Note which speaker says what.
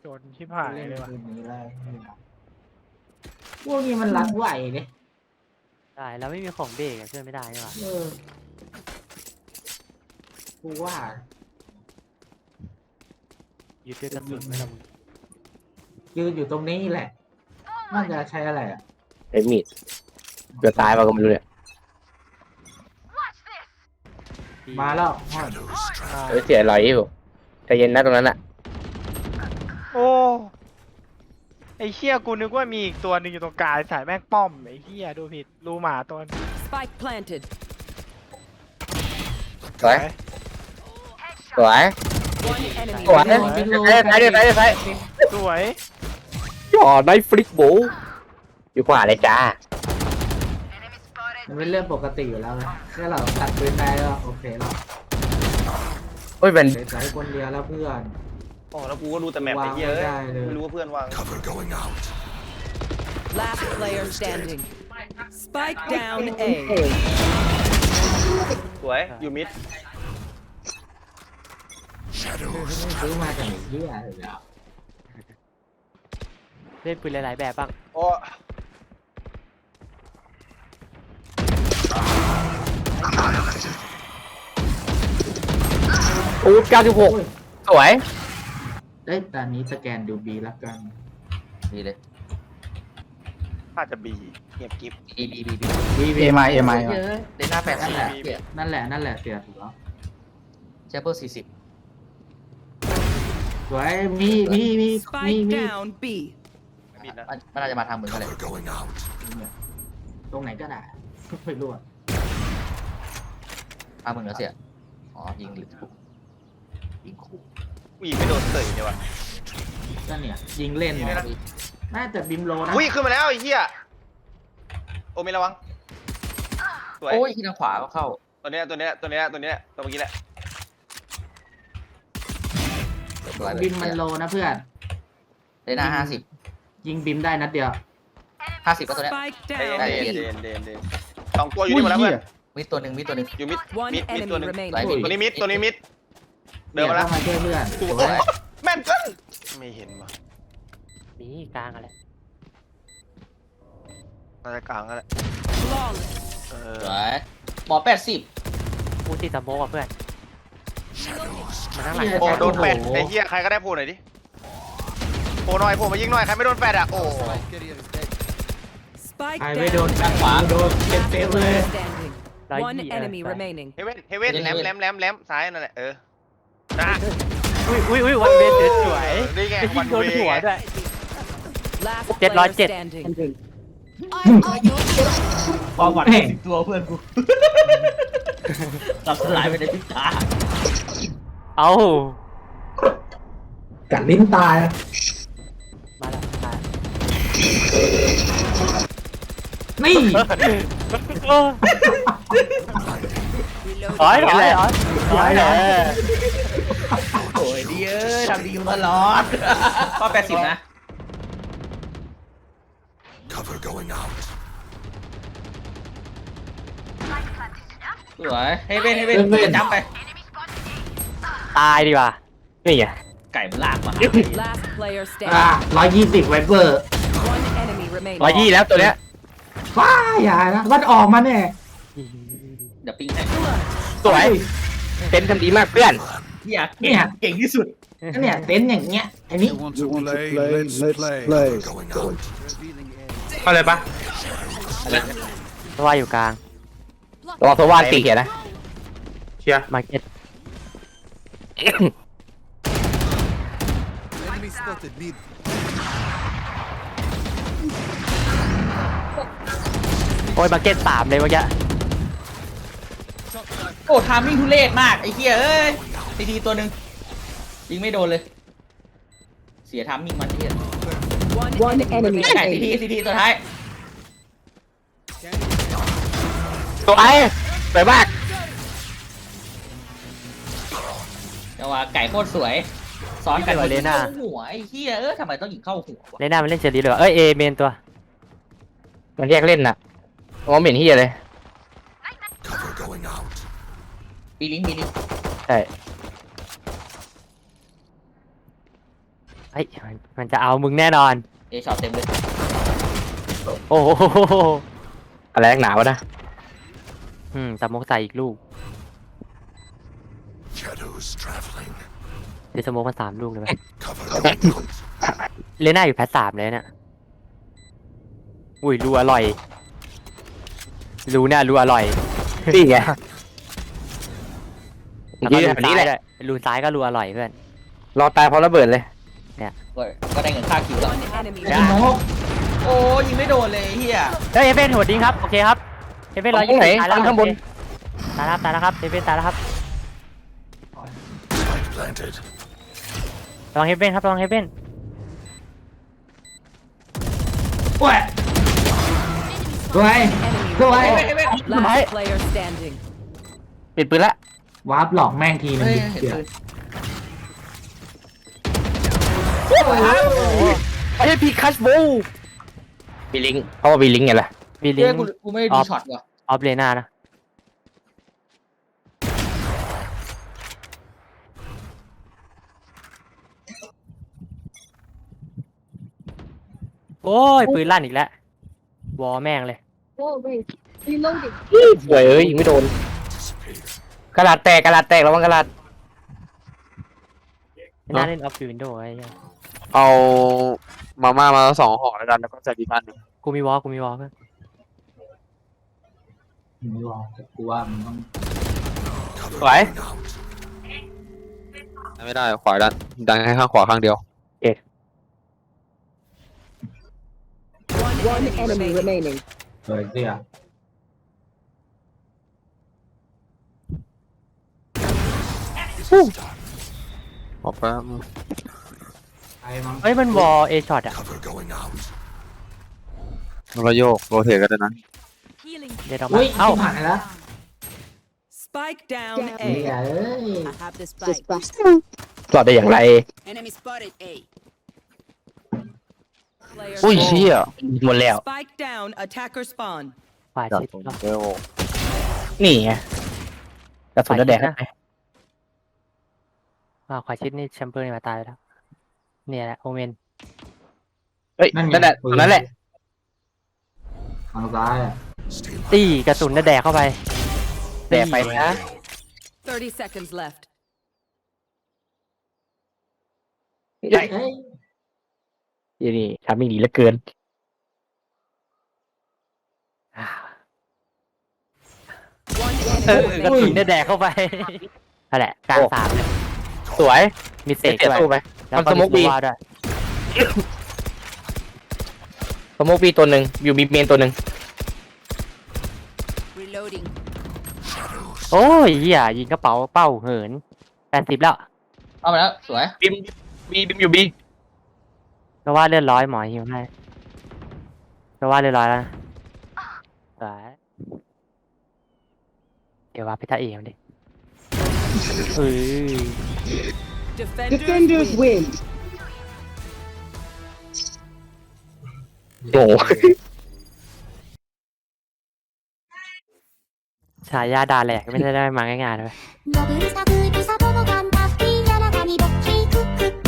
Speaker 1: จนชิบหายเลยว่ะ
Speaker 2: คืนนี้เลยพวกนี้มันรัดไหวเนี่ย
Speaker 3: ได้แล้วไม่มีของเบรกช่วยไม่ได้ใช่ปะ
Speaker 2: กูว่า
Speaker 3: ยึดด้วยกระสุนไม่ละมึง
Speaker 2: ยืนอยู่ตรงนี้แหละน่าจะใช้อะไรอ่ะ
Speaker 4: ไอ้มีดเกือบตายมาก็ไม่รู้เนี่ย
Speaker 2: มาแล้ว
Speaker 4: เสียรอยอยู่ใจเย็นนะตรงนั้นอ่ะ
Speaker 1: โอ้ไอ้เหี้ยกูนึกว่ามีอีกตัวหนึ่งอยู่ตรงกลางสายแม่งป้อมไอ้เหี้ยดูผิดรูหมาตัวนึง
Speaker 5: Spike planted.
Speaker 4: สวยสวย
Speaker 5: One enemy
Speaker 4: สวย
Speaker 5: remaining.
Speaker 4: ไป
Speaker 1: สวย
Speaker 4: จ่อไนฟลิกโบอยู่ขวาเลยจ้า
Speaker 2: มันเป็นเรื่องปกติอยู่แล้วไงแค่เราตัดปืนได้ก็โอเคแล้ว
Speaker 4: เฮ้ยมัน
Speaker 2: เสียใจคนเดียวแล้วเพื่อน
Speaker 6: อ๋อแล้วกูก็รู้แต่แมปไอ้เหี้ยเอ้ยว
Speaker 2: างไม่ได้เลย
Speaker 6: ไม่รู้ว่าเพื่อนวาง
Speaker 5: Last player standing. Spike down A.
Speaker 6: สวยอยู่มิด
Speaker 2: ซื้อมาจากไหนเหี้ยเลยอ่ะ
Speaker 3: เล่นปืนหลายๆแบบบ้าง
Speaker 6: โอ้
Speaker 4: อูด96สวย
Speaker 2: ได้ตอนนี้สแกนดูบีแล้วกัน
Speaker 4: ดีเลย
Speaker 6: น่าจะบีเงียบกิ๊บ
Speaker 2: บี
Speaker 7: เอไมเอไม
Speaker 2: เยอะ
Speaker 7: เดน่าแปด
Speaker 2: นั่นแหละเสียนั่นแหละเสียถูกแล้ว
Speaker 7: เชเปอร์40
Speaker 2: สวยมี
Speaker 5: Spike down B.
Speaker 6: บินนะ
Speaker 7: มันน่าจะมาทางมึงก็เลย
Speaker 2: ตรงไหนก็ได้ไม่รู้อะ
Speaker 7: ทางมึงแล้วเสียอ๋อยิงหรือถูกยิงขู่
Speaker 6: กูยิงไม่โดนเตยเนี่ยวะ
Speaker 2: ก็เนี่ยยิงเล่นเนี่ยน่าจะบิมโลนะ
Speaker 6: อุ้ยขึ้นมาแล้วไอ้เหี้ยโอเมระวังสวย
Speaker 7: โอ้ยที่ทางขวาก็เข้า
Speaker 6: ตัวเนี้ยตัวเมื่อกี้แหละ
Speaker 7: สวยเลย
Speaker 2: บิมมันโลนะเพื่อน
Speaker 7: เดน่า
Speaker 2: ยิงบิมได้นัดเดียว
Speaker 7: 50ก็ตัวเนี้ย
Speaker 5: Spike
Speaker 6: เด
Speaker 5: down
Speaker 6: น
Speaker 5: B.
Speaker 6: เดนสองตัวอยู่นี่หมดแล้วเพื่อน
Speaker 7: มีตัวหนึ่ง
Speaker 6: อยู่มิด
Speaker 5: One
Speaker 6: มิดตัว
Speaker 5: enemy
Speaker 6: หนึง
Speaker 5: remaining.
Speaker 6: ตัวนี้มิดเดินมาแล้ว
Speaker 2: เข้ามาช่วยเพื่อน
Speaker 6: โอ้
Speaker 2: ส
Speaker 6: โห
Speaker 2: วย
Speaker 6: แม่นเกินไม่เห็นว่ะ
Speaker 3: นี่กลางอะไร
Speaker 6: น่าจะกลางแล้วแหละ
Speaker 5: Flawless.
Speaker 7: สวยหมอ80
Speaker 3: กูติดสโมกอ่ะเพื่อนมันทั้งหลัง
Speaker 6: โอ้โดนแฟดไอ้เหี้ยใครก็ได้โผล่หน่อยดิโผล่หน่อยโผล่มายิงหน่อยใครไม่โดนแฟดอ่ะโอ้
Speaker 5: Spike
Speaker 2: ใครไม่โดน
Speaker 5: down.
Speaker 2: ข้างขวาโดน
Speaker 5: Last
Speaker 2: เต็มๆเลย
Speaker 5: player standing. One enemy remaining.
Speaker 6: เฮเว่นแหลมซ้ายนั่นแหละนะ
Speaker 3: อุ้ยวันเวทสวย
Speaker 6: นี่ไง
Speaker 3: ไปยิงโดนหัวด้วย
Speaker 5: Last
Speaker 3: 707
Speaker 5: player standing.
Speaker 7: ความหวัง10ตัวเพื่อนกูตับสลายไปในพริบตา
Speaker 3: เอ้า
Speaker 2: กัดลิ้นตาย
Speaker 3: มาแล้วมา
Speaker 2: นี่
Speaker 3: ถอยเลย
Speaker 7: โอ้ยดีทำดีอยู่ตลอดก็80นะสวยให้เว้นจำไป
Speaker 3: ตายดีกว่านี่ไง
Speaker 7: ไก่มันลากมา
Speaker 5: Last player
Speaker 2: 120 ไวเปอร์
Speaker 5: One enemy remaining.
Speaker 3: 120แล้วตัวเนี้ย
Speaker 2: ว้าอย่านะมันออกมาเนี่ย
Speaker 7: เดี๋ยวปิ้งให้
Speaker 3: สวยเป็นทำดีมากเพื่อน
Speaker 7: อยากเก่งที่สุด
Speaker 2: เนี่ยเต็นท์อย่างเงี้ยไอ้นี่
Speaker 8: Want to play? Let's play.
Speaker 4: เข้าเลยปะ
Speaker 3: เพราะว่าอยู่กลาง
Speaker 4: ระวังโซวานตีเขียนนะเชียร์
Speaker 3: มาร์เก็ต
Speaker 8: Enemy spotted mid.
Speaker 3: โอ้ยมาร์เก็ต3เลยเมื่อกี้
Speaker 7: โอ้ทามมิ่งทุเรศมากไอ้เหี้ยเอ้ยทีตัวหนึ่งยิงไม่โดนเลย เสียทามมิ่งมันเหี้ย
Speaker 5: One enemy
Speaker 7: ไก่
Speaker 5: remaining.
Speaker 7: ทีตัวท้าย
Speaker 4: สวยสวยมาก
Speaker 7: แต่ว่าไก่โคตรสวยซ้อนกันเข้าหัวไอ้เหี้ยทำไมต้องยิงเข้าหัววะ
Speaker 3: เลน่ามันเล่นเชอรี่เลยเอ้ยเอเมนตัว
Speaker 4: มันแยกเล่นน่ะมองไม่เห็นเฮียเลย
Speaker 7: ปีลิง
Speaker 3: ใช่เฮ้ยมันจะเอามึงแน่นอน
Speaker 7: เอช็อตเต็มเลย
Speaker 3: โอ้โห
Speaker 4: อะไรนักหนาวะนะ
Speaker 3: สโมกใส่อีกลูก
Speaker 8: Shadows traveling.
Speaker 3: เดี๋ยวสโมกมา3 ลูกเลยไหม
Speaker 8: Cover going out.
Speaker 3: เลน่าอยู่แพท3เลยเนี่ยอุ้ยรูอร่อยรูเนี่ยรูอร่อย
Speaker 4: นี่ไง
Speaker 3: แล้วก็
Speaker 4: ยืน
Speaker 3: รู
Speaker 4: แบบนี้
Speaker 3: ซ้าย
Speaker 4: แหละ
Speaker 3: ด้วยรูซ้ายก็รูอร่อยเพื่อน
Speaker 4: รอตายเพราะระเบิดเลย
Speaker 7: ก็ได้เงินค่าคิวแล้ว
Speaker 5: One enemy
Speaker 7: ไอ้โมกโอ้ยิงไม่โดนเลยไอ้เฮีย
Speaker 3: เฮ้ยเอเว่นหัวดิ้งครับโอเคครับเอเว่น
Speaker 4: ตรงไหน
Speaker 3: ตายแล้ว
Speaker 4: ข้างบน
Speaker 3: ตายแล้วตายแล้วครับเอเว่นตายแล้วครับ
Speaker 8: Spike planted.
Speaker 3: ระวังเอเว่นครับระวังเอเว่น
Speaker 2: โอ้ยสวย
Speaker 5: enemy
Speaker 2: สวย
Speaker 5: Last player standing.
Speaker 4: ปิดปืนละ
Speaker 2: วาร์ปหลอกแม่งทีนึง
Speaker 7: เฮ้ย
Speaker 2: ดิ
Speaker 7: เห็น
Speaker 2: เดี๋ยว
Speaker 7: ปืน
Speaker 4: ไม่ใช่พีคัชโบบีลิงเพราะว่าบีลิงไงล่ะ
Speaker 3: มีลิ
Speaker 7: เฮ้ย
Speaker 3: ง
Speaker 7: กูไม่ได้ดูช็อตว่ะ
Speaker 3: ออฟเลน่านะโอ้ยปืนลั่นอีกแล้ววอแม่งเลย
Speaker 4: สวยยิงไม่โดน กระดาษแตกระวังกระดาษ
Speaker 3: ไม่น่าเล่นออฟฟิวินโดว์ไอ้เหี้ย
Speaker 4: เอามาม่ามา2 ห่อแล้วกันแล้วก็ใส่ดีบ้านหนึ่ง
Speaker 3: กูมีวอเพื่อน
Speaker 2: มึงรอแต่กูว่ามึงต้อง
Speaker 8: Cover
Speaker 4: Right.
Speaker 8: going out.
Speaker 4: ไม่ได้ขวาดันแค่ข้างขวาข้างเดียว
Speaker 5: One enemy remaining.
Speaker 2: สวยเสีย
Speaker 4: ออกไป
Speaker 2: ไอ้มั้ง
Speaker 3: เฮ้ยมันวอเอช็อตอะ
Speaker 8: Cover going out.
Speaker 4: มันก็โยกโรเทตกันด้วยนะ
Speaker 3: เดี๋ยวเรา
Speaker 2: อุ้
Speaker 3: มาย เอ้า
Speaker 2: ผ่านไปแล้ว
Speaker 5: Spike down
Speaker 2: เฮ้ย
Speaker 5: A.
Speaker 2: เอ้ย
Speaker 9: I have the spike.
Speaker 4: รอดได้อย่างไร
Speaker 9: Enemy spotted A.
Speaker 5: Player
Speaker 4: อุ้ย
Speaker 5: standing.
Speaker 4: เชี่ยหมดแล้ว
Speaker 5: Spike down. Attacker spawn.
Speaker 3: ขวา
Speaker 4: จัด
Speaker 3: ชิด
Speaker 4: ตรง
Speaker 3: เนอะ
Speaker 4: เร็วนี่ไงกระสุนจะแดกให้ไหม
Speaker 3: ขวาชิดนี่แชมเบอร์นี่มาตายไปแล้วเนี่ยแหละโอเมน
Speaker 4: เฮ้ยนั่นแหละตรงนั้นแหละ
Speaker 2: ทางซ้ายอะ
Speaker 8: Stay low.
Speaker 3: ตีกระสุนน่ะแดกเข้าไป
Speaker 4: แดกไปนะ
Speaker 5: 30 seconds left.
Speaker 2: เฮ้ย
Speaker 4: นี่ทำไม่ดีเหลือเกิน
Speaker 5: One
Speaker 3: เอ
Speaker 5: enemy
Speaker 3: อกระ
Speaker 5: remaining.
Speaker 3: สุนเนี่ยแดกเข้าไปนั่นแหละกลาง
Speaker 4: โอ้
Speaker 3: 3เลย
Speaker 4: สวย
Speaker 3: มีเสก
Speaker 4: เสีย
Speaker 3: ด้วย
Speaker 4: สู้ไหม
Speaker 3: แล้ว
Speaker 4: มัน
Speaker 3: ก็
Speaker 4: สโม
Speaker 3: มี
Speaker 4: กบี
Speaker 3: ตัวด้วย
Speaker 4: สโมกบีตัวหนึ่งอยู่บีเมนตัวหนึ่ง
Speaker 9: Reloading.
Speaker 3: โอ้ยเหี้ยยิงกระเป๋าเป้าเหิน80แล้ว
Speaker 7: เอาไปแล้วสวย
Speaker 4: บิมอยู่บี
Speaker 3: ก็ว่าเลือด100หมอหิวให้ก็ว่าเลือด100แล้วนะสวยเดี๋ยวว่าไปท่าเอมดิเออ
Speaker 5: Defenders win.
Speaker 4: โอ้โห
Speaker 3: ฉายาดาแหลกไม่ได้มาง่ายๆเลย
Speaker 10: のぶるさくるさとのがんたふきやらがにぼっきくく